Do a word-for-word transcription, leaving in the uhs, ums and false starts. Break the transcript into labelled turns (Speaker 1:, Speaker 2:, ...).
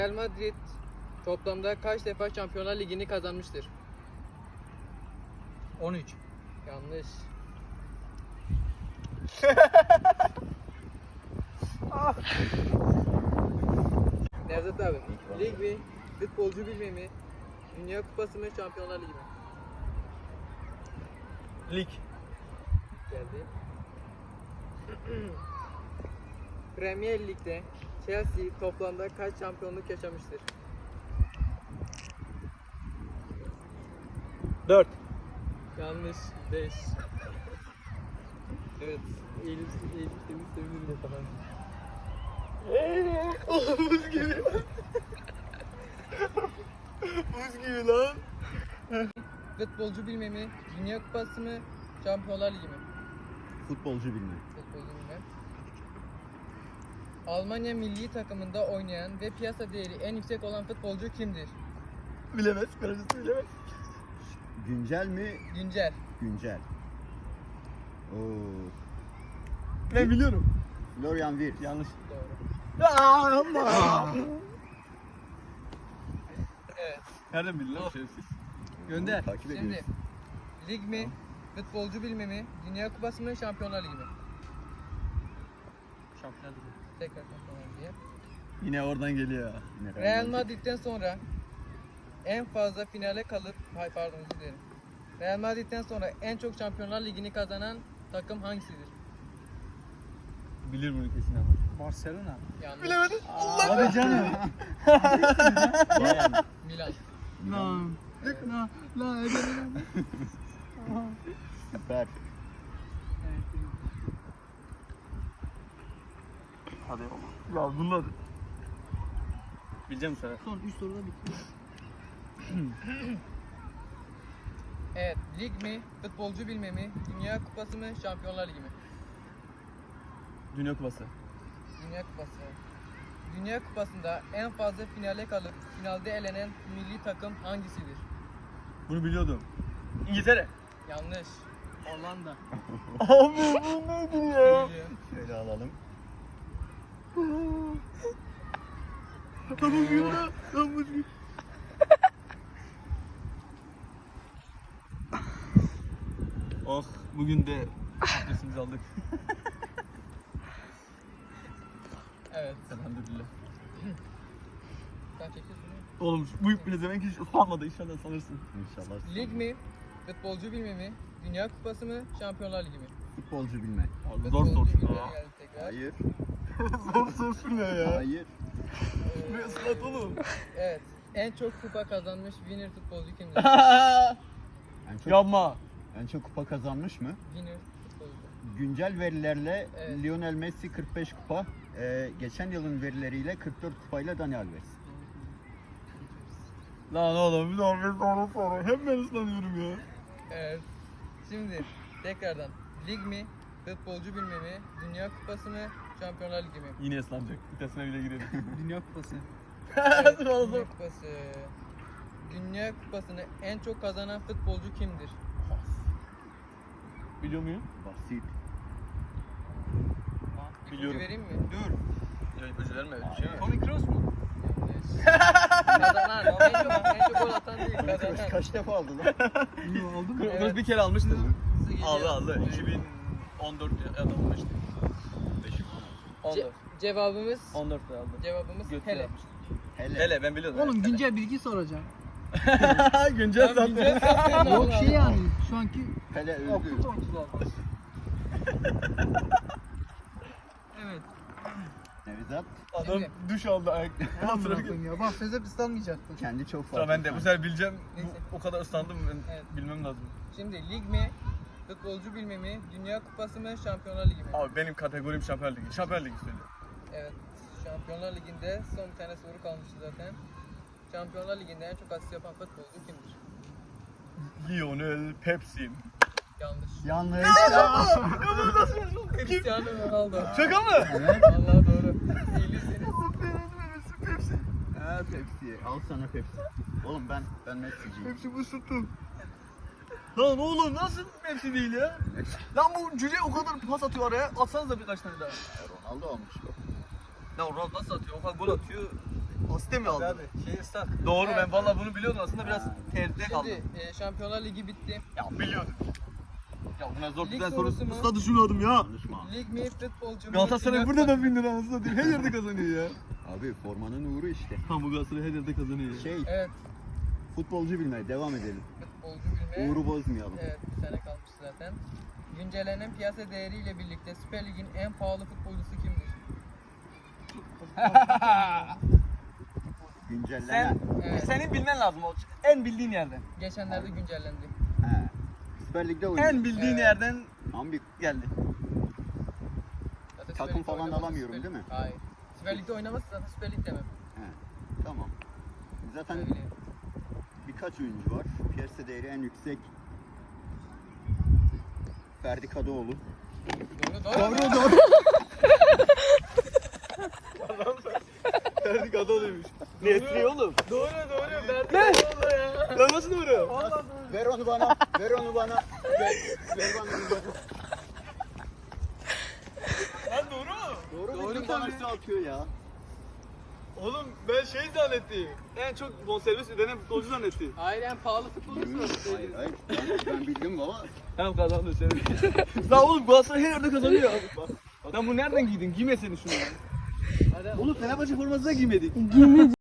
Speaker 1: Real Madrid toplamda kaç defa Şampiyonlar Ligi'ni kazanmıştır?
Speaker 2: on üç.
Speaker 1: Yanlış. Nevzat abi, lig mi, futbolcu bilme mi, Dünya Kupası mı, Şampiyonlar Ligi mi?
Speaker 2: Lig.
Speaker 1: Geldi. Premier Lig'de Chelsea toplamda kaç şampiyonluk yaşamıştır?
Speaker 2: dört.
Speaker 1: Yanlış. beş. Evet. Eğilim, eğilim temiz sevinirim de falan.
Speaker 2: Buz gibi. Buz gibi lan.
Speaker 1: Futbolcu bilme mi, Dünya Kupası mı, Şampiyonlar Ligi mi?
Speaker 3: Futbolcu bilme.
Speaker 1: Futbolcu bilme. Almanya milli takımında oynayan ve piyasa değeri en yüksek olan futbolcu kimdir?
Speaker 2: Bilemez. Karıcısı bilemez.
Speaker 3: Güncel mi?
Speaker 1: Güncel.
Speaker 3: Güncel. Oo.
Speaker 2: Ben biliyorum.
Speaker 3: Florian Wirtz.
Speaker 2: Yanlış.
Speaker 1: Doğru.
Speaker 2: Aa, ama.
Speaker 1: Evet.
Speaker 2: Nereden bildin lan şerefsiz? Gönder.
Speaker 3: Takip
Speaker 1: Şimdi
Speaker 3: ediyoruz.
Speaker 1: lig mi, futbolcu bilme mi, Dünya Kupası mı, Şampiyonlar Ligi mi?
Speaker 2: Şampiyonlar Ligi.
Speaker 1: Tekrar Şampiyonlar Ligi.
Speaker 2: Yine oradan geliyor.
Speaker 3: Yine
Speaker 1: Real Madrid'den sonra en fazla finale kalıp, hay pardon özür dilerim. Real Madrid'den sonra en çok Şampiyonlar Ligi'ni kazanan takım hangisidir?
Speaker 2: Bilir bunu kesin ama. Barcelona.
Speaker 1: Yanlış.
Speaker 2: Bilemedim. Hadi canım.
Speaker 3: Bayern.
Speaker 1: Milan.
Speaker 2: Lan. Lan. Lan.
Speaker 3: Süper.
Speaker 2: Hadi oğlum. Ya bunlar. Bileceğim sana. Son üç soruda bitti.
Speaker 1: Evet, lig mi, futbolcu bilme mi, Dünya Kupası mı, Şampiyonlar Ligi mi?
Speaker 2: Dünya Kupası.
Speaker 1: Dünya Kupası. Dünya Kupası'nda en fazla finale kalıp finalde elenen milli takım hangisidir?
Speaker 2: Bunu biliyordum. İngiltere.
Speaker 1: Yanlış.
Speaker 2: Hollanda. Abi bu neydi ya?
Speaker 1: Biliyor.
Speaker 3: Şöyle alalım.
Speaker 2: Tamam yürü. Tamam yürü. Oh bugün de adresimizi aldık.
Speaker 1: Evet.
Speaker 2: Elhamdülillah.
Speaker 1: Sen çekiyorsun değil mi?
Speaker 2: Oğlum bu bir demek hiç ıslanmadı inşallah sanırsın.
Speaker 3: İnşallah.
Speaker 1: Lig mi, futbolcu bilme mi, Dünya Kupası mı, Şampiyonlar Ligi mi?
Speaker 3: Futbolcu bilme.
Speaker 2: Abi zor
Speaker 1: Futbolcu
Speaker 2: sorsun
Speaker 1: bilme
Speaker 2: ya.
Speaker 1: geldi tekrar.
Speaker 3: Hayır.
Speaker 2: Zor sorsun ne ya?
Speaker 3: Hayır.
Speaker 1: Ee,
Speaker 2: Ne ıslat oğlum?
Speaker 1: Evet. En çok kupa kazanmış winner futbolcu kimdir?
Speaker 3: En çok,
Speaker 2: Yapma.
Speaker 3: en çok kupa kazanmış mı?
Speaker 1: Winner futbolcu.
Speaker 3: Güncel verilerle
Speaker 1: Evet.
Speaker 3: Lionel Messi kırk beş kupa. Ee, geçen yılın verileriyle kırk dört kupayla Dani Alves.
Speaker 2: Lan oğlum bir daha bir soru soru. Hem ben ıslanıyorum ya.
Speaker 1: Evet. Şimdi tekrardan lig mi, futbolcu bilme mi, Dünya Kupası mı, Şampiyonlar Ligi mi?
Speaker 2: Yine ıslanacak. Vitesine bile girelim.
Speaker 4: Dünya Kupası.
Speaker 1: Evet,
Speaker 2: Dur oğlum.
Speaker 1: Dünya Kupası. Dünya Kupası'nı en çok kazanan futbolcu kimdir?
Speaker 2: Biliyor muyum?
Speaker 3: Basit.
Speaker 1: İpucu
Speaker 2: Biliyorum.
Speaker 1: vereyim mi?
Speaker 2: Dur. Ya ipucu verme öyle bir şey mi?
Speaker 4: Toni Kroos mu?
Speaker 1: Yanlış. Kazanan. En çok, en çok gol atan değil, kazanan.
Speaker 3: Kaç defa aldı lan?
Speaker 4: Bunu aldım mı?
Speaker 2: Kroos
Speaker 1: Evet.
Speaker 2: bir kere almıştı.
Speaker 1: Hızlı geliyor.
Speaker 2: Aldı aldı. iki bin on dört ya da on beşti. on
Speaker 1: Ce-
Speaker 2: dört.
Speaker 1: cevabımız
Speaker 2: on dörtte aldı.
Speaker 1: cevabımız
Speaker 2: Götür
Speaker 1: hele.
Speaker 2: yapmıştı.
Speaker 3: Hele.
Speaker 2: Hele ben biliyordum.
Speaker 4: Oğlum
Speaker 2: Hele.
Speaker 4: güncel bilgi soracağım.
Speaker 2: güncel
Speaker 1: Tam
Speaker 2: zaten.
Speaker 1: güncel zaten.
Speaker 4: Yok
Speaker 1: Allah
Speaker 4: şey
Speaker 1: Allah.
Speaker 4: yani şu anki
Speaker 3: Hele öldü.
Speaker 4: okul oyuncular. Evet.
Speaker 3: Nevzat
Speaker 2: Adam
Speaker 1: Şimdi.
Speaker 2: duş aldı ayak.
Speaker 4: Tamam bırakın ya. Bak Fezep ıslanmayacaktı.
Speaker 3: kendi çok farklı.
Speaker 2: Tamam ben de bu sefer bileceğim.
Speaker 1: Neyse.
Speaker 2: Bu, o kadar ıslandım ben
Speaker 1: Evet.
Speaker 2: bilmem lazım.
Speaker 1: Şimdi lig mi, futbolcu bilme mi, Dünya Kupası mı, Şampiyonlar Ligi mi?
Speaker 2: Abi benim kategorim Şampiyonlar Ligi. Şampiyonlar Ligi söyle.
Speaker 1: Evet, Şampiyonlar Ligi'nde son bir tane soru kalmıştı zaten. Şampiyonlar Ligi'nde en çok asist yapan futbolcu kimdir?
Speaker 2: Lionel Pepsi.
Speaker 1: Yanlış.
Speaker 3: Yanlış.
Speaker 1: Cristiano Ronaldo.
Speaker 2: Şaka mı?
Speaker 3: Evet.
Speaker 1: Vallahi doğru. İyilisiniz.
Speaker 2: Pepsi.
Speaker 3: Ha Pepsi. Al sana Pepsi. Oğlum ben ben Messi'ciyim.
Speaker 2: Pepsi bu sütü. Lan oğlum nasıl Pepsi değil ya? Lan bu cüce o kadar pas atıyor araya. Atsanıza birkaç tane daha.
Speaker 3: Ronaldo olmuş bu.
Speaker 2: Ya Ronaldo nasıl atıyor? O kadar gol atıyor. Asite mi aldın?
Speaker 5: Abi şey ıslak.
Speaker 2: Doğru
Speaker 1: Evet.
Speaker 2: ben vallahi bunu biliyordum aslında biraz tereddütte kaldım.
Speaker 1: Şimdi e, Şampiyonlar Ligi bitti.
Speaker 2: Ya biliyordum. Ya buna zor
Speaker 1: Lig
Speaker 2: güzel soru
Speaker 1: sorusu mu?
Speaker 2: ısla düşünüyordum ya.
Speaker 3: Konuşma.
Speaker 1: Lig mi futbolcu mu?
Speaker 2: Galatasaray
Speaker 1: Final
Speaker 2: burada da
Speaker 1: mi?
Speaker 2: bin lira anasını satayım. Her yerde kazanıyor ya.
Speaker 3: Abi formanın uğru işte.
Speaker 2: Tam bu Galatasaray her yerde kazanıyor.
Speaker 3: Şey,
Speaker 1: Evet,
Speaker 3: futbolcu bilmeye devam edelim.
Speaker 1: futbolcu bilmeye.
Speaker 3: Uğru bozmayalım.
Speaker 1: Evet, bir sene kalmış zaten. Güncellenen piyasa değeriyle birlikte Süper Lig'in en pahalı futbolcusu kimdir?
Speaker 3: Güncellenen.
Speaker 1: Evet,
Speaker 2: Senin bilmen lazım o en bildiğin yerden.
Speaker 1: geçenlerde güncellendi.
Speaker 3: He. Süper Lig'de oynuyor.
Speaker 2: En bildiğin
Speaker 1: Evet.
Speaker 2: yerden
Speaker 3: Tam bir
Speaker 2: geldi.
Speaker 1: Zaten
Speaker 3: Takım
Speaker 1: Süper Lig'de
Speaker 3: falan
Speaker 1: oynamazsa
Speaker 3: alamıyorum,
Speaker 1: Süper-
Speaker 3: değil mi?
Speaker 1: Hayır. Süper Lig'de oynamazsa zaten Süper Lig demem.
Speaker 3: He. Tamam. Zaten
Speaker 1: Öyle.
Speaker 3: birkaç oyuncu var. Piyasa değeri en yüksek Ferdi Kadıoğlu.
Speaker 1: Doğru, doğru.
Speaker 2: Doğru doğru. Ferdi Kadıoğlu'ymuş. Nesri oğlum.
Speaker 1: Doğru, doğru. Verdi ne? ya.
Speaker 2: Lan nasıl doğru?
Speaker 3: Ver onu bana. Ver onu bana. Ver, ver bana onu bana.
Speaker 2: Lan doğru mu?
Speaker 3: Doğru
Speaker 1: Doğru
Speaker 3: bildim
Speaker 1: tabii.
Speaker 3: bana üstü atıyor ya.
Speaker 2: Oğlum ben şey zannettim. En çok bonservis ödenen futbolcu zannettim.
Speaker 1: Hayır, en pahalı futbolcusu var.
Speaker 3: Hayır hayır. Ben, ben bildim baba.
Speaker 2: Hem kazandı seni. Lan oğlum Galatasaray her yerde kazanıyor. Bak. Lan bu nereden giydin? Giymesene şunu.
Speaker 1: Hadi.
Speaker 2: Oğlum Fenerbahçe forması da giymedik.